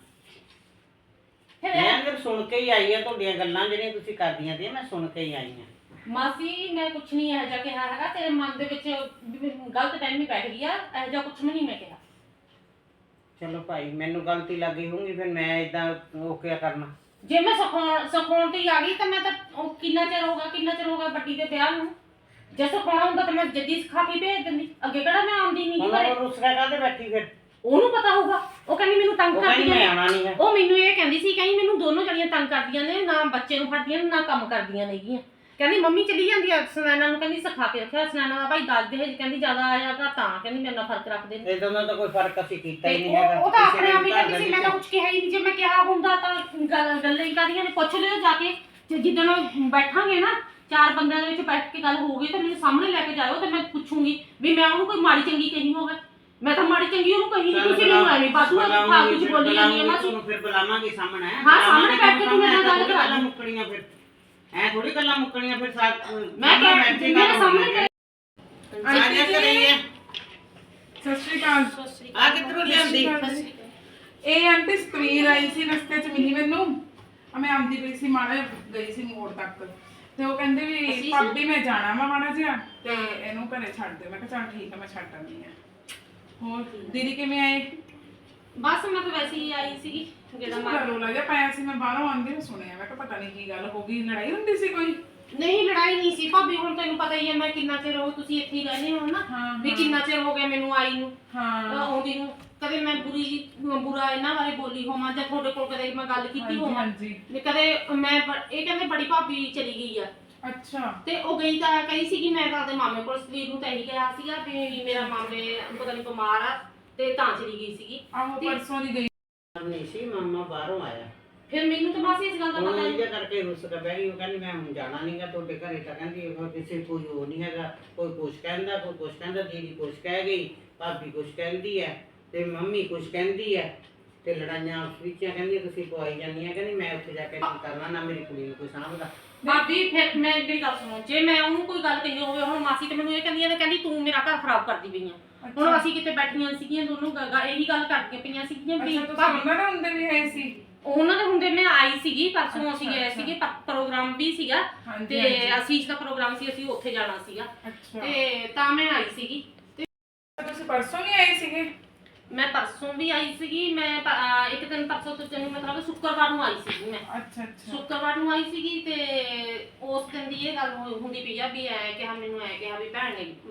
S1: ਫਿਰ
S3: ਮੈਂ ਅੰਦਰ ਸੁਣ ਕੇ ਹੀ ਆਈ ਆ। ਤੁਹਾਡੀਆਂ ਗੱਲਾਂ ਜਿਹੜੀਆਂ ਤੁਸੀਂ ਕਰਦੀਆਂ ਸੀ ਮੈਂ ਸੁਣ ਕੇ ਹੀ ਆਈ ਆ।
S1: ਮਾਸੀ ਮੈਂ ਕੁਛ ਨਹੀਂ ਇਹੋ ਜਿਹਾ ਕਿਹਾ ਹੈਗਾ, ਤੇਰੇ ਮਨ ਦੇ ਵਿੱਚ ਗਲਤ ਟਾਈਮ ਹੀ ਬੈਠ ਗਿਆ, ਇਹੋ ਜਿਹਾ ਕੁਛ ਨਹੀਂ ਮੈਂ ਕਿਹਾ।
S3: ਚਲੋ ਭਾਈ ਮੈਨੂੰ ਗਲਤੀ ਲੱਗੀ ਹੋਊਗੀ, ਫਿਰ ਮੈਂ ਇਦਾਂ ਉਹ ਕਿਆ ਕਰਨਾ।
S1: ਜੇ ਮੈਂ ਸਿਖਾਉਣ ਤੇ ਹੀ ਆ ਗਈ ਤਾਂ ਮੈਂ ਤਾਂ ਕਿੰਨਾ ਚਿਰ ਹੋ ਗਿਆ ਵੱਡੀ ਦੇ ਵਿਆਹ ਨੂੰ। ਜੇ ਸਿਖਾਉਣਾ ਹੁੰਦਾ ਤਾਂ ਮੈਂ ਜੱਦੀ ਸਿਖਾ ਕੇ ਭੇਜ ਦਿੰਦੀ, ਅੱਗੇ ਕਿਹੜਾ ਮੈਂ ਆਉਂਦੀ ਨਹੀਂ
S3: ਹੁਣ
S1: ਘਰੇ।
S3: ਉਹ ਰੁਸਰਾ ਕਾਹਦੇ ਬੈਠੀ ਫਿਰ?
S1: ਉਹਨੂੰ ਪਤਾ ਹੋਊਗਾ, ਉਹ ਕਹਿੰਦੀ ਮੈਨੂੰ ਤੰਗ
S3: ਉਹ ਕਹਿੰਦੀ
S1: ਕਰਦੀਆਂ
S3: ਮੈਂ
S1: ਨੇ।
S3: ਆਉਣਾ ਨਹੀਂ ਹੈ।
S1: ਉਹ ਮੈਨੂੰ ਇਹ ਕਹਿੰਦੀ ਸੀ, ਕਹਿੰਦੀ ਮੈਨੂੰ ਦੋਨੋਂ ਜਣੀਆਂ ਤੰਗ ਕਰਦੀਆਂ ਨੇ, ਨਾ ਬੱਚੇ ਨੂੰ ਫੜਦੀਆਂ ਨੇ ਨਾ ਕੰਮ ਕਰਦੀਆਂ ਨੇਗੀਆਂ। ਕਹਿੰਦੀ ਮੰਮੀ ਚਲੀ ਜਾਂਦੀ ਆ ਸੁਨੈਣਾ ਨੂੰ, ਕਹਿੰਦੀ ਸਿਖਾ ਕੇ ਰੱਖਿਆ। ਸੁਨੈਣਾ ਦਾ ਭਾਈ ਦੱਸ ਦੇ, ਕਹਿੰਦੀ ਜ਼ਿਆਦਾ ਆਇਆਗਾ ਤਾਂ ਕਹਿੰਦੀ ਮੇਰੇ ਨਾਲ ਫਰਕ ਰੱਖਦੇ ਨੇ।
S3: ਇਦਾਂ ਦਾ ਤਾਂ ਕੋਈ ਫਰਕ ਅਸੀਂ ਕੀਤਾ ਹੀ
S1: ਤੇ
S3: ਨਹੀਂ ਹੈਗਾ।
S1: ਉਹ ਤਾਂ ਆਪਣੇ ਆਪ ਹੀ ਕਹਿੰਦੀ ਸੀ, ਮੈਂ ਤਾਂ ਕੁਝ ਕਿਹਾ ਹੀ ਨਹੀਂ। ਜੇ ਮੈਂ ਕਿਹਾ ਹੁੰਦਾ ਤਾਂ ਗੱਲਾਂ ਹੀ ਕਰਦੀਆਂ ਨੇ। ਪੁੱਛ ਲਿਓ ਜਾ ਕੇ, ਜਿੱਦਣ ਬੈਠਾਂਗੇ ਨਾ 4 ਬੰਦਿਆਂ ਦੇ ਵਿੱਚ ਬੈਠ ਕੇ ਗੱਲ ਹੋਊਗੀ ਤਾਂ ਮੈਨੂੰ ਸਾਹਮਣੇ ਲੈ ਕੇ ਜਾਇਓ, ਤੇ ਮੈਂ ਪੁੱਛੂੰਗੀ ਵੀ ਮੈਂ ਉਹਨੂੰ ਕੋਈ ਮਾੜੀ ਚੰਗੀ ਕਹੀ ਹੋਵੇ। ਮੈਂ ਤਾਂ ਮਾੜੀ ਚੰਗੀ ਉਹਨੂੰ ਕਹੀ ਨਹੀਂ, ਤੁਸੀਂ ਮੈਨੂੰ ਐਵੇਂ ਬਾਤੂ ਫਾਲਤੂ ਚ ਬੋਲੀ ਜਾਂਦੀ ਹੈ ਮਾਸੀ।
S3: ਤੁਹਾਨੂੰ ਫਿਰ ਬੁਲਾਵਾਂਗੇ ਸਾਹਮਣੇ।
S1: ਹਾਂ ਸਾਹਮਣੇ ਬੈਠ ਕੇ ਤੂੰ ਮੇਰੇ ਨਾਲ ਗੱਲ ਕਰਾ
S3: ਗੱਲਾਂ ਮੁੱਕਣੀਆਂ ਫਿਰ, ਐ ਥੋੜੀ ਗੱਲਾਂ ਮੁੱਕਣੀਆਂ ਫਿਰ।
S1: ਮੈਂ
S3: ਬੈਠੇ
S1: ਮੇਰੇ ਸਾਹਮਣੇ
S3: ਆਜਾ ਕਰੀਏ।
S4: ਸਤਿ ਸ਼੍ਰੀ ਅਕਾਲ।
S3: ਆ ਕਿੱਧਰੋਂ ਲਿਆਂਦੀ?
S4: ਇਹ ਆਂਟੀ ਸਕਰੀਨ ਆਈ ਸੀ, ਰਸਤੇ 'ਚ ਮਿਲੀ ਮੈਨੂੰ। ਮੈਂ ਆਉਂਦੀ ਪਈ ਸੀ, ਮਾੜਾ ਗਈ ਸੀ ਮੋੜ ਤੱਕ, ਤੇ ਉਹ ਕਹਿੰਦੇ ਵੀ ਭਾਬੀ ਮੈਂ ਜਾਣਾ ਵਾ ਮਾੜਾ ਜਿਹਾ, ਤੇ ਇਹਨੂੰ ਘਰੇ ਛੱਡ ਦੇ। ਮੈਂ ਕਿਹਾ ਚੱਲ ਠੀਕ ਆ, ਮੈਂ ਛੱਡ ਆਉਂਦੀ ਆ। ਹੋਰ ਦੀਦੀ ਕਿਵੇਂ ਆਏ?
S1: ਬਸ ਮੈਂ ਤਾਂ ਵੈਸੇ ਹੀ ਆਈ ਸੀਗੀ, ਜਿਹੜਾ
S4: ਰੋਲਾ ਜਿਹਾ ਪਾਇਆ ਸੀ, ਮੈਂ ਬਾਹਰੋਂ ਆਉਂਦੀ ਨੂੰ ਸੁਣਿਆ। ਮੈਂ ਕਿਹਾ ਪਤਾ ਨਹੀਂ ਕੀ ਗੱਲ ਹੋ ਗਈ, ਲੜਾਈ ਹੁੰਦੀ ਸੀ ਕੋਈ?
S1: ਨਹੀਂ ਲੜਾਈ ਨਹੀਂ ਸੀ ਭਾਬੀ, ਹੁਣ ਤੈਨੂੰ ਪਤਾ ਹੀ ਹੈ ਮੈਂ ਕਿੰਨਾ ਚਿਰ ਹੋ ਤੁਸੀਂ ਇੱਥੇ ਹੀ ਰਹਿੰਦੇ ਹੋ ਨਾ, ਵੀ ਕਿੰਨਾ ਚਿਰ ਹੋ ਗਿਆ ਮੈਨੂੰ ਆਈ ਨੂੰ, ਆਉਂਦੀ ਨੂੰ। ਕਦੇ ਮੈਂ ਬੁਰਾ ਇਹਨਾਂ ਬਾਰੇ ਬੋਲੀ ਹੋਵਾਂ ਜਾਂ ਤੁਹਾਡੇ ਕੋਲ ਕਦੇ ਮੈਂ ਗੱਲ ਕੀਤੀ ਹੋਵਾਂ, ਕਦੇ ਮੈਂ ਇਹ ਕਹਿੰਦੇ ਬੜੀ ਭਾਬੀ ਚਲੀ ਗਈ ਆ।
S4: ਅੱਛਾ।
S1: ਤੇ ਉਹ ਗਈ ਤਾਂ ਕਹੀ ਸੀ ਕਿ ਮੈਂ ਤਾਂ ਆਪਣੇ ਮਾਮੇ ਕੋਲ ਸਰੀਰ ਨੂੰ ਤਾਂ ਇਹੀ ਕਿਹਾ ਸੀਗਾ ਵੀ ਮੇਰਾ ਮਾਮੇ ਪਤਾ ਨਹੀਂ ਬਿਮਾਰ ਆ ਤੇ ਤਾਂ ਚਲੀ ਗਈ ਸੀਗੀ।
S4: ਆਹੋ ਪਰਸੋਂ ਦੀ ਗਈ
S3: ਨਹੀਂ ਸੀ, ਮਾਮਾ ਬਾਹਰੋਂ ਆਇਆ
S1: ਫਿਰ ਮੈਨੂੰ ਤਾਂ ਮਾਸੀ ਇਸ ਗੱਲ ਦਾ
S3: ਹੁਣ
S1: ਪਤਾ
S3: ਇਹਦੇ
S1: ਨਹੀਂ।
S3: ਕਰਕੇ ਰੁੱਸ ਕੇ ਬਹਿ ਗਈ। ਉਹ ਕਹਿੰਦੀ ਮੈਂ ਹੁਣ ਜਾਣਾ ਨਹੀਂਗਾ ਤੁਹਾਡੇ ਘਰੇ। ਤਾਂ ਕਹਿੰਦੀ ਉਹ ਕਿਸੇ ਕੋਈ ਉਹ ਨਹੀਂ ਹੈਗਾ, ਕੋਈ ਕੁਛ ਕਹਿੰਦਾ, ਕੋਈ ਕੁਛ ਕਹਿੰਦਾ, ਦੀਦੀ ਕੁਛ ਕਹਿ ਗਈ, ਭਾਬੀ ਕੁਛ ਕਹਿੰਦੀ ਹੈ ਤੇ ਮੰਮੀ ਕੁਛ ਕਹਿੰਦੀ ਹੈ ਤੇ ਲੜਾਈਆਂ ਉਸ ਵਿੱਚ ਕਹਿੰਦੀ ਤੁਸੀਂ ਪਵਾਈ ਜਾਂਦੀਆਂ। ਕਹਿੰਦੀ ਮੈਂ ਉੱਥੇ ਜਾ ਕੇ ਕੀ ਕਰਨਾ, ਨਾ ਮੇਰੀ ਕੁੜੀ ਨੂੰ ਕੋਈ ਸਾਂਭਦਾ।
S1: ਭਾਬੀ ਫਿਰ ਮੈਂ ਮੇਰੀ ਗੱਲ ਸੁਣੋ, ਜੇ ਮੈਂ ਉਹਨੂੰ ਕੋਈ ਗੱਲ ਕਹੀ ਹੋਵੇ, ਹੁਣ ਮਾਸੀ ਤੇ ਮੈਨੂੰ ਇਹ ਕਹਿੰਦੀ ਹੈ, ਕਹਿੰਦੀ ਤੂੰ ਮੇਰਾ ਘਰ ਖਰਾਬ ਕਰਦੀ ਪਈ ਆ। ਹੁਣ ਅਸੀਂ ਕਿਤੇ ਬੈਠੀਆਂ ਸੀਗੀਆਂ ਦੋਨੋਂ ਇਹੀ ਗੱਲ ਕਰਦੀਆਂ ਪਈਆਂ ਸੀਗੀਆਂ ਵੀ
S4: ਅੱਛਾ ਤੁਸੀਂ ਉਹਨਾਂ ਦੇ ਹੁੰਦੇ ਵੀ ਹੈ ਸੀ?
S1: ਉਹਨਾਂ ਦੇ ਹੁੰਦੇ ਮੈਂ ਆਈ ਸੀਗੀ ਪਰਸੋਂ, ਅਸੀਂ ਗਏ ਸੀਗੇ ਪ੍ਰੋਗਰਾਮ ਵੀ ਸੀਗਾ ਤੇ ਅਸੀਸ਼ ਦਾ ਪ੍ਰੋਗਰਾਮ ਸੀ, ਅਸੀਂ ਉੱਥੇ ਜਾਣਾ ਸੀਗਾ
S4: ਅੱਛਾ
S1: ਤੇ ਤਾਂ ਮੈਂ ਆਈ ਸੀਗੀ।
S4: ਤੁਸੀਂ ਪਰਸੋਂ ਨਹੀਂ ਆਏ ਸੀਗੇ?
S1: ਮੈਂ ਪਰਸੋਂ ਵੀ ਆਈ ਸੀਗੀ, ਮੈਂ ਇੱਕ ਦਿਨ ਪਰਸੋਂ ਤੋਂ ਤੈਨੂੰ ਮਤਲਬ ਸ਼ੁੱਕਰਵਾਰ ਨੂੰ ਆਈ ਸੀਗੀ ਮੈਂ।
S4: ਅੱਛਾ ਅੱਛਾ
S1: ਸ਼ੁੱਕਰਵਾਰ ਨੂੰ ਆਈ ਸੀਗੀ ਤੇ ਉਸ ਦਿਨ ਦੀ ਇਹ ਗੱਲ ਹੁੰਦੀ ਪਈ ਆ ਵੀ ਐ ਕਿਹਾ ਮੈਨੂੰ, ਐ ਕਿਹਾ ਵੀ ਭੈਣ ਨੇ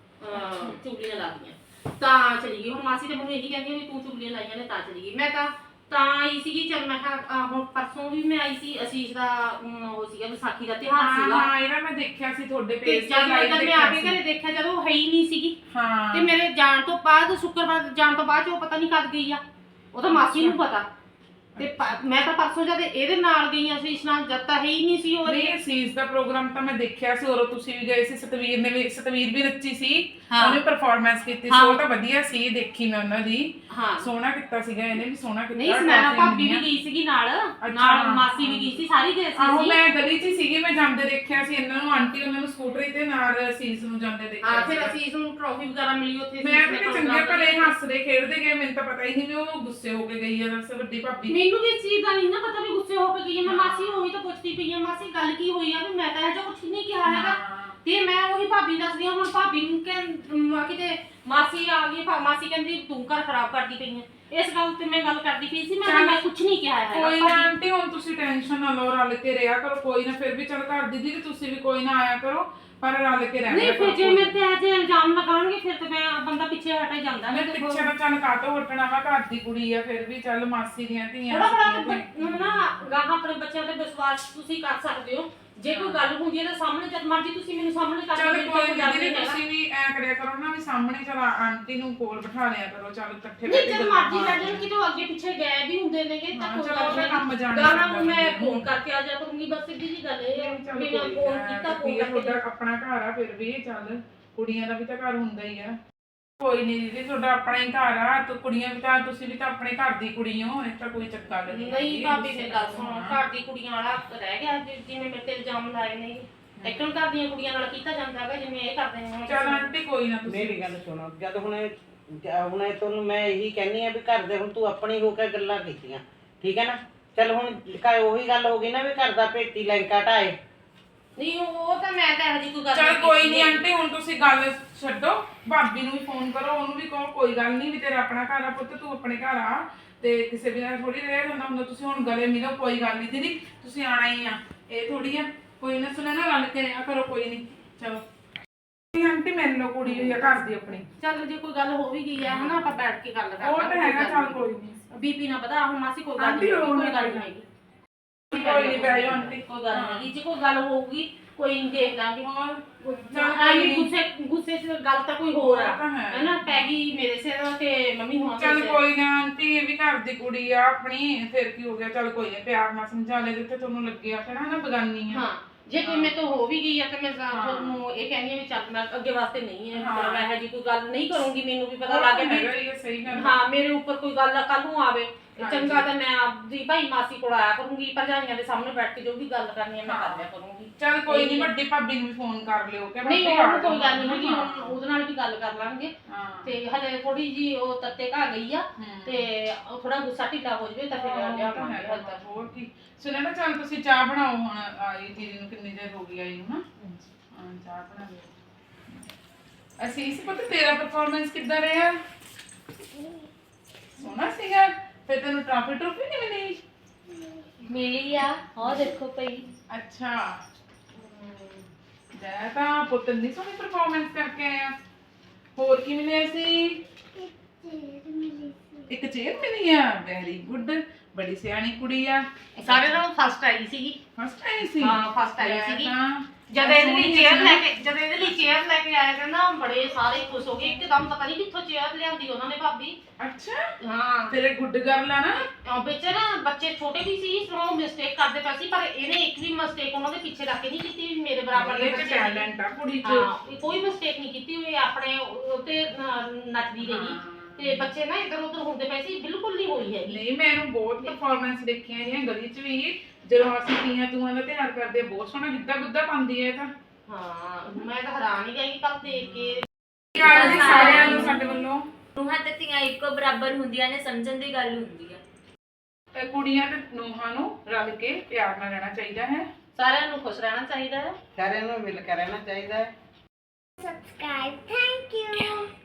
S1: ਮਤਲਬ ਚੁਗਲੀਆਂ ਲਾਦੀਆਂ ਤਾਂ ਚਲੀ ਗਈ। ਹੁਣ ਮਾਸੀ ਤੇ ਮੈਨੂੰ ਇਹੀ ਕਹਿੰਦੀ ਵੀ ਤੂੰ ਚੁਗਲੀਆਂ ਲਾਈਆਂ ਨੇ ਤਾਂ ਚਲੀ ਗਈ। ਮੈਂ ਤਾਂ ਆਈ ਸੀਗੀ। ਚਲ ਮੈਂ ਕਿਹਾ ਹੁਣ ਪਰਸੋਂ ਵੀ ਮੈਂ ਆਈ ਸੀ, ਅਸੀਸ਼ ਦਾ ਉਹ ਸੀਗਾ ਵਿਸਾਖੀ ਦਾ ਤਿਉਹਾਰ ਸੀਗਾ।
S4: ਹਾਂ ਇਹਦਾ ਮੈਂ ਦੇਖਿਆ ਸੀ ਤੁਹਾਡੇ
S1: ਤੇ
S4: ਪੇਜ
S1: ਜਦ ਮੈਂ ਆ ਕੇ ਘਰੇ ਦੇਖਿਆ ਜਦੋਂ ਉਹ ਹੈ ਹੀ ਨਹੀਂ ਸੀਗੀ।
S4: ਹਾਂ
S1: ਤੇ ਮੇਰੇ ਜਾਣ ਤੋਂ ਬਾਅਦ ਸ਼ੁੱਕਰਵਾਰ ਜਾਣ ਤੋਂ ਬਾਅਦ ਉਹ ਪਤਾ ਨਹੀਂ ਕਦ ਗਈ ਆ, ਉਹ ਤਾਂ ਮਾਸੀ ਨੂੰ ਪਤਾ। ਤੇ ਮੈਂ ਤਾਂ ਪਰਸੋਂ ਜਦ ਇਹਦੇ ਨਾਲ ਗਈ ਆ ਅਸੀਸ਼ ਨਾਲ, ਜਦ ਤਾਂ ਹੈ ਹੀ ਨਹੀਂ ਸੀ ਉਹ।
S4: ਨਹੀਂ ਅਸੀਸ ਦਾ ਪ੍ਰੋਗਰਾਮ ਤਾਂ ਮੈਂ ਦੇਖਿਆ ਸੀ, ਔਰ ਤੁਸੀਂ ਵੀ ਗਏ ਸੀ, ਸਤਵੀਰ ਨੇ ਵੀ, ਸਤਵੀਰ ਵੀ ਨੱਚੀ ਸੀ, ਉਹਨੇ ਪਰਫਾਰਮੈਂਸ ਕੀਤੀ ਸੀ, ਉਹ ਤਾਂ ਵਧੀਆ ਸੀ, ਦੇਖੀ ਮੈਂ ਉਹਨਾਂ ਦੀ।
S1: ਹਾਂ
S4: ਸੋਹਣਾ ਕੀਤਾ ਸੀਗਾ, ਇਹਨੇ ਵੀ ਸੋਹਣਾ ਕੀਤਾ।
S1: ਨਹੀਂ ਸੁਨੈਣਾ ਭਾਬੀ ਵੀ ਗਈ ਸੀਗੀ ਨਾਲ ਮਾਸੀ ਵੀ ਗਈ ਸੀ, ਸਾਰੀ ਗਏ ਸੀ।
S4: ਆਹੋ ਮੈਂ ਗਲੀ 'ਚ ਹੀ ਸੀਗੀ, ਮੈਂ ਜਾਂਦੇ ਦੇਖਿਆ ਸੀ ਇਹਨਾਂ ਨੂੰ, ਆਂਟੀ ਉਹਨਾਂ ਨੂੰ ਸਕੂਟਰੀ ਤੇ ਨਾਲ ਅਸੀਸ ਨੂੰ ਜਾਂਦੇ ਦੇਖਿਆ ਸੀ।
S1: ਫਿਰ ਅਸੀਸ ਨੂੰ ਟਰੋਫੀ ਵਗੈਰਾ ਮਿਲੀ ਉੱਥੇ।
S4: ਮੈਂ ਵੀ ਚੰਗੇ ਭਲੇ ਹੱਸਦੇ ਖੇਡਦੇ ਗਏ, ਮੈਨੂੰ ਤਾਂ ਪਤਾ ਹੀ ਨਹੀਂ ਵੀ ਉਹ ਗੁੱਸੇ ਹੋ ਕੇ ਗਈ ਆ ਦੱਸ ਵੱਡੀ ਭਾਬੀ।
S1: ਮੈਨੂੰ ਵੀ ਇਸ ਚੀਜ਼ ਦਾ ਨਹੀਂ ਨਾ ਪਤਾ ਵੀ ਗੁੱਸੇ ਹੋ ਕੇ ਗਈ ਹੈ। ਮੈਂ ਮਾਸੀ ਉਹੀ ਤਾਂ ਪੁੱਛਦੀ ਪਈ ਆ, ਮਾਸੀ ਗੱਲ ਕੀ ਹੋਈ ਆ, ਵੀ ਮੈਂ ਤਾਂ ਇਹੋ ਕੁਝ ਨਹੀਂ ਕਿਹਾ ਹੈਗਾ। ਤੇ ਮੈਂ ਉਹੀ ਭਾਬੀ ਦੱਸਦੀ ਆ, ਹੁਣ ਭਾਬੀ ਨੂੰ ਕਿਤੇ ਮਾਸੀ ਆ ਗਈ, ਮਾਸੀ ਕਹਿੰਦੀ ਤੂੰ ਘਰ ਖਰਾਬ ਕਰਦੀ ਪਈ ਆ। ਇਸ ਗੱਲ ਤੇ ਮੈਂ ਗੱਲ ਕਰਦੀ ਪਈ ਸੀ, ਮੈਂ ਕੁਝ ਨਹੀਂ ਕਿਹਾ ਹੈਗਾ।
S4: ਕੋਈ ਨਾ ਆਂਟੀ ਹੁਣ ਤੁਸੀਂ ਟੈਨਸ਼ਨ ਨਾ ਲਓ, ਰਲ ਕੇ ਰਿਹਾ ਕਰੋ, ਕੋਈ ਨਾ ਫਿਰ ਵੀ ਚੱਲ ਘਰ ਦੀਦੀ ਤੇ ਤੁਸੀਂ ਵੀ ਕੋਈ ਨਾ ਆਇਆ ਕਰੋ, ਪਰ ਰਲ ਕੇ ਰਹਿਣਾ।
S1: ਨਹੀਂ ਫਿਰ ਜੇ ਮੇਰੇ ਤੇ ਐਸੇ ਇਲਜ਼ਾਮ ਲਗਾਉਣਗੇ ਫਿਰ ਤੇ ਮੈਂ ਬੰਦਾ ਪਿੱਛੇ ਹਟ ਹੀ ਜਾਂਦਾ।
S4: ਮੈਂ ਪਿੱਛੇ ਨਾ ਚੱਲ ਕਾਟੋ ਹਟਣਾ ਵਾ, ਘਰ ਦੀ ਕੁੜੀ ਆ, ਫਿਰ ਵੀ ਚੱਲ ਮਾਸੀ ਦੀਆਂ ਧੀਆਂ
S1: ਥੋੜਾ ਬੜਾ ਨਾ ਗਾਹਾਂ ਆਪਣੇ ਬੱਚਿਆਂ ਤੇ ਵਿਸ਼ਵਾਸ ਤੁਸੀਂ ਕਰ ਸਕਦੇ ਹੋ। ਜੇ ਕੋਈ ਗੱਲ ਹੁੰਦੀ ਹੈ ਤਾਂ ਸਾਹਮਣੇ ਜਦ ਮਰਜੀ ਤੁਸੀਂ ਮੈਨੂੰ ਸਾਹਮਣੇ ਕਰ
S4: ਚੱਲ
S1: ਦਿਓ।
S4: ਕੋਈ ਨਹੀਂ, ਤੁਸੀਂ ਵੀ ਐ ਕਰਿਆ ਕਰੋ ਨਾ ਵੀ ਸਾਹਮਣੇ ਚੱਲ ਆਂਟੀ ਨੂੰ ਕੋਲ ਬਿਠਾ ਲਿਆ ਕਰੋ, ਚੱਲ ਇਕੱਠੇ
S1: ਨਹੀਂ ਜਦ ਮਰਜੀ ਬੈਠ ਜਾਣ, ਕਿਤੇ ਅੱਗੇ ਪਿੱਛੇ ਗਏ ਵੀ ਹੁੰਦੇ ਨੇਗੇ ਤਾਂ ਕੋਈ
S4: ਚਲੋ ਉਹਦਾ ਕੰਮ ਜਾਣੇ
S1: ਗਾਣਾ ਨੂੰ ਮੈਂ ਫੋਨ ਕਰਕੇ ਆ ਜਾ ਕਰੂੰਗੀ। ਬਸ ਸਿੱਧੀ ਜੀ ਗੱਲ ਇਹ ਹੈ, ਬਿਨਾਂ ਫੋਨ ਕੀਤਾ ਫੋਨ ਕਰਕੇ।
S4: ਤੁਹਾਡਾ ਆਪਣਾ ਘਰ ਆ, ਫਿਰ ਵੀ ਚੱਲ ਕੁੜੀਆਂ ਦਾ ਵੀ ਤਾਂ ਘਰ ਹੁੰਦਾ ਹੀ ਆ। ਕੋਈ ਨਹੀਂ ਦੀਦੀ ਤੁਹਾਡਾ ਆਪਣਾ ਹੀ ਘਰ ਆ, ਤੇ ਕੁੜੀਆਂ ਵੀ ਤਾਂ ਤੁਸੀਂ ਵੀ ਤਾਂ ਆਪਣੇ ਘਰ ਦੀ ਕੁੜੀ ਹੋ, ਇਹ ਤਾਂ ਕੋਈ ਚੱਕਰ ਨਹੀਂ।
S1: ਨਹੀਂ ਭਾਬੀ ਮੇਰੀ ਗੱਲ ਸੁਣੋ, ਘਰ ਦੀ ਕੁੜੀਆਂ ਵਾਲਾ ਰਹਿ ਗਿਆ ਜਿਵੇਂ ਮੇਰੇ ਤੇ ਇਲਜ਼ਾਮ ਲਾਏ ਨੇ। ਇੱਕਣ ਘਰ ਦੀਆਂ ਕੁੜੀਆਂ ਨਾਲ ਕੀਤਾ ਜਾਂਦਾ ਹੈਗਾ ਜਿਵੇਂ ਇਹ ਕਰਦੇ ਨੇ।
S4: ਚੱਲ ਆਂਟੀ ਕੋਈ ਨਾ, ਤੁਸੀਂ
S3: ਮੇਰੀ ਗੱਲ ਸੁਣੋ, ਜਦ ਹੁਣ ਤੁਹਾਨੂੰ ਮੈਂ ਇਹੀ ਕਹਿੰਨੀ ਆ ਵੀ ਘਰ ਦੇ ਹੁਣ ਤੂੰ ਆਪਣੀ ਹੋ ਕੇ ਗੱਲਾਂ ਕੀਤੀਆਂ, ਠੀਕ ਹੈ ਨਾ। ਚੱਲ ਹੁਣ ਉਹੀ ਗੱਲ ਹੋ ਗਈ ਨਾ ਵੀ ਘਰ ਦਾ ਭੇਤੀ ਲੈਂਕਾ ਢਾਏ।
S1: ਨਹੀਂ ਉਹ ਤਾਂ ਮੈਂ ਤਾਂ ਇਹੋ ਜਿਹੀ ਕੋਈ ਗੱਲ
S4: ਚੱਲ ਕੋਈ ਨਹੀਂ ਆਂਟੀ, ਹੁਣ ਤੁਸੀਂ ਗੱਲ ਛੱਡੋ, ਭਾਬੀ ਨੂੰ ਵੀ ਫੋਨ ਕਰੋ, ਉਹਨੂੰ ਵੀ ਕਹੋ ਕੋਈ ਗੱਲ ਨਹੀਂ ਵੀ ਤੇਰਾ ਆਪਣਾ ਘਰ ਆ ਪੁੱਤ, ਤੂੰ ਆਪਣੇ ਘਰ ਆ, ਤੇ ਕਿਸੇ ਵੀ ਨਾਲ ਥੋੜੀ ਰਹਿ ਜਾਂਦਾ ਹੁੰਦਾ। ਤੁਸੀਂ ਹੁਣ ਗਲੇ ਮਿਲੋ, ਕੋਈ ਗੱਲ ਨਹੀਂ ਦੀਦੀ, ਤੁਸੀਂ ਆਣਾ ਹੀ ਆ, ਇਹ ਥੋੜੀ ਆ। ਕੋਈ ਨਾ ਸੁਣਿਆ ਨਾ, ਰਲ ਕੇ ਰਿਹਾ ਕਰੋ, ਕੋਈ ਨਹੀਂ। ਚਲੋ ਆਂਟੀ ਮਿਲ ਲਓ, ਕੁੜੀ ਹੋਈ ਆ ਘਰ ਦੀ ਆਪਣੀ।
S1: ਚੱਲ ਜੇ ਕੋਈ ਗੱਲ ਹੋ ਵੀ ਗਈ ਹੈ ਹਨਾ, ਆਪਾਂ ਬੈਠ ਕੇ ਗੱਲ
S4: ਉਹ ਤਾਂ ਹੈਗਾ, ਚੱਲ ਕੋਈ ਨਹੀਂ।
S1: ਬੀਪੀ ਨਾ ਵਧਾ ਹੁਣ ਮਾਸੀ, ਕੋਈ ਗੱਲ ਨਹੀਂ, ਕੋਈ ਗੱਲ ਨਹੀਂ ਹੈਗੀ,
S4: ਕੋਈ ਨਹੀਂ ਬਹਿ ਜਾਓ ਆਂਟੀ,
S1: ਕੋਈ ਗੱਲ ਨਹੀਂ ਹੈਗੀ। ਜੇ ਕੋਈ ਗੱਲ ਹੋਊਗੀ ਕੋਈ ਨਹੀਂ ਦੇਖ ਲਾਂਗੇ। ਗੁੱਸੇ 'ਚ ਗੱਲ ਤਾਂ ਕੋਈ ਹੋਰ ਆ ਹੈਨਾ, ਪੈ ਗਈ ਮੇਰੇ ਸਿਰ ਤੇ ਮੰਮੀ ਹੋਣਾ।
S4: ਚੱਲ ਕੋਈ ਨਾ ਆਂਟੀ, ਇਹ ਵੀ ਘਰ ਦੀ ਕੁੜੀ ਆ ਆਪਣੀ, ਫਿਰ ਕੀ ਹੋ ਗਿਆ। ਚੱਲ ਕੋਈ ਨਾ, ਪਿਆਰ ਨਾਲ ਸਮਝਾ ਲੈ, ਜਿੱਥੇ ਤੁਹਾਨੂੰ ਲੱਗਿਆ ਕਿਹੜਾ ਨਾ ਬਗਾਨੀ ਆ।
S1: ਹਾਂ ਜੇ ਕੋਈ ਮੇਰੇ ਤੋਂ ਹੋ ਵੀ ਗਈ ਆ ਤੇ ਮੈਂ ਤੁਹਾਨੂੰ ਇਹ ਕਹਿੰਦੀ ਆ ਵੀ ਚੱਲ ਮੈਂ ਅੱਗੇ ਵਾਸਤੇ ਨਹੀਂ ਹੈ, ਮੈਂ ਇਹੋ ਜਿਹੀ ਕੋਈ ਗੱਲ ਨਹੀਂ ਕਰੂੰਗੀ। ਮੈਨੂੰ ਵੀ ਪਤਾ ਲੱਗ ਗਿਆ ਵੀ
S4: ਸਹੀ ਗੱਲ
S1: ਹਾਂ ਮੇਰੇ ਉੱਪਰ ਕੋਈ ਗੱਲ ਕੱਲ ਨੂੰ ਆਵੇ, ਚੰਗਾ ਤਾਂ ਮੈਂ ਆਪਦੀ ਭਾਈ ਮਾਸੀ ਕੋਲ ਆਇਆ ਕਰੂੰਗੀ, ਭਰਜਾਈਆਂ ਦੇ ਸਾਹਮਣੇ ਬੈਠ ਕੇ ਜੋ ਵੀ ਗੱਲ ਕਰਨੀ ਹੈ ਮੈਂ ਕਰ ਲਿਆ ਕਰੂੰਗੀ।
S4: ਚੱਲ ਕੋਈ ਨਹੀਂ, ਵੱਡੀ ਭਾਬੀ ਨੂੰ ਵੀ ਫੋਨ ਕਰ ਲਿਓ ਕਿ
S1: ਨਹੀਂ ਉਹ ਕੋਈ ਗੱਲ ਨਹੀਂ ਹੈਗੀ, ਹੁਣ ਉਹਦੇ ਨਾਲ ਵੀ ਗੱਲ ਕਰ ਲਾਂਗੇ। ਤੇ ਹਲੇ ਥੋੜੀ ਜੀ ਉਹ ਤੱਤੇ ਘਾ ਗਈ ਆ ਤੇ ਥੋੜਾ ਗੁੱਸਾ ਢਿੱਲਾ ਹੋ ਜਵੇ ਤਾਂ ਫਿਰ ਲਿਆਵਾਂਗੇ।
S4: ਹੋਰ ਕੀ ਸੁਣਿਆ ਨਾ, ਚੱਲ ਤੁਸੀਂ ਚਾਹ ਬਣਾਓ, ਹੁਣ ਆਈ ਦੀਦੀ ਨੂੰ ਕਿੰਨੀ ਦੇਰ ਹੋ ਗਈ ਆਈ ਨੂੰ ਨਾ। ਹਾਂ ਚਾਹ ਬਣਾ ਲਿਓ। ਅਸੀਂ ਇਸ ਪਤਾ ਤੇਰਾ ਪਰਫਾਰਮੈਂਸ ਕਿੱਦਾਂ ਰਿਹਾ? ਸੋਹਣਾ ਸੀਗਾ। ਫਿਰ ਤੈਨੂੰ ਟਰਾਫੀ ਨਹੀਂ ਮਿਲੀ?
S2: ਮਿਲੀ ਆ, ਹਾਂ ਦੇਖੋ ਪਈ।
S4: ਅੱਛਾ ਮੈਂ ਤਾਂ ਪੁੱਤ ਦੀ ਸੋਹਣੀ ਪਰਫਾਰਮੈਂਸ ਕਰਕੇ ਆਇਆ। ਹੋਰ ਕੀ ਮਿਲਿਆ ਸੀ? ਇੱਕ ਚੇਅਰ ਮਿਲੀ ਆ, ਵੈਰੀ ਗੁੱਡ, ਬੜੀ ਸਿਆਣੀ ਕੁੜੀ ਆ।
S1: ਸਾਰੇ ਨਾਲੋਂ ਫਸਟ ਆਈ ਸੀਗੀ।
S4: ਫਸਟ ਆਈ ਸੀ?
S1: ਹਾਂ ਫਸਟ ਆਈ ਸੀਗੀ। ਜਦ ਇਹਦੇ ਲਈ ਚੇਅਰ ਲੈ ਕੇ ਆਇਆ ਕਹਿੰਦਾ ਬੜੇ ਸਾਰੇ ਖੁਸ਼ ਹੋ ਗਏ ਇੱਕਦਮ, ਪਤਾ ਨਹੀਂ ਕਿੱਥੋਂ ਚੇਅਰ ਲਿਆਂਦੀ ਉਹਨਾਂ ਨੇ ਭਾਬੀ।
S4: ਅੱਛਾ
S1: ਹਾਂ
S4: ਤੇਰੇ ਗੁੱਡ ਗਰਲ ਆ ਨਾ।
S1: ਵਿੱਚ ਨਾ ਬੱਚੇ ਛੋਟੇ ਵੀ ਸੀ, ਉਹ ਮਿਸਟੇਕ ਕਰਦੇ ਪਏ ਸੀ, ਪਰ ਇਹਨੇ ਇੱਕ ਵੀ ਮਿਸਟੇਕ ਉਹਨਾਂ ਦੇ ਪਿੱਛੇ ਰੱਖ ਕੇ ਨਹੀਂ ਕੀਤੀ ਵੀ ਮੇਰੇ ਬਰਾਬਰ ਦੇ
S4: ਇਹ
S1: ਬੱਚੇ
S4: ਟੈਲੈਂਟ ਆ ਕੁੜੀ 'ਚ।
S1: ਹਾਂ ਕੋਈ ਮਿਸਟੇਕ ਨਹੀਂ ਕੀਤੀ, ਉਹ ਆਪਣੇ ਉੱਤੇ ਨੱਚਦੀ ਰਹੀ ਤੇ ਬੱਚੇ ਨਾ ਇੱਧਰ ਉੱਧਰ ਹੁੰਦੇ ਪਏ ਸੀ, ਬਿਲਕੁਲ ਨਹੀਂ ਹੋਈ ਹੈਗੀ।
S4: ਨਹੀਂ ਮੈਂ ਇਹਨੂੰ ਬਹੁਤ ਪਰਫਾਰਮੈਂਸ ਦੇਖੀਆਂ ਇਹਦੀਆਂ ਗਲੀ 'ਚ ਵੀ, ਜਦੋਂ ਅਸੀਂ ਤੀਆਂ ਤੂਆਂ ਦਾ ਤਿਉਹਾਰ ਕਰਦੇ ਆ, ਬਹੁਤ ਸੋਹਣਾ ਗਿੱਧਾ ਗੁੱਧਾ ਪਾਉਂਦੀ ਹੈ ਇਹ ਤਾਂ।
S1: ਹਾਂ ਮੈਂ ਤਾਂ ਹੈਰਾਨ ਹੀ ਗਈ ਕੱਲ ਦੇਖ ਕੇ।
S4: ਯਾਰ ਜੀ ਸਾਰਿਆਂ ਨੂੰ ਸਾਡੇ ਵੱਲੋਂ
S2: ਨੂੰਹਾਂ ਤੇ ਧੀਆਂ ਇੱਕੋ ਬਰਾਬਰ ਹੁੰਦੀਆਂ ਨੇ, ਸਮਝਣ ਦੀ ਗੱਲ ਹੁੰਦੀ ਆ।
S4: ਕੁੜੀਆਂ ਤੇ ਨੂੰਹਾਂ ਨੂੰ ਰਲ ਕੇ ਪਿਆਰ ਨਾਲ ਰਹਿਣਾ ਚਾਹੀਦਾ ਹੈ,
S1: ਸਾਰਿਆਂ ਨੂੰ ਖੁਸ਼ ਰਹਿਣਾ ਚਾਹੀਦਾ ਹੈ,
S3: ਸਾਰਿਆਂ ਨੂੰ ਮਿਲ ਕੇ ਰਹਿਣਾ ਚਾਹੀਦਾ ਹੈ।
S5: Subscribe. Thank you.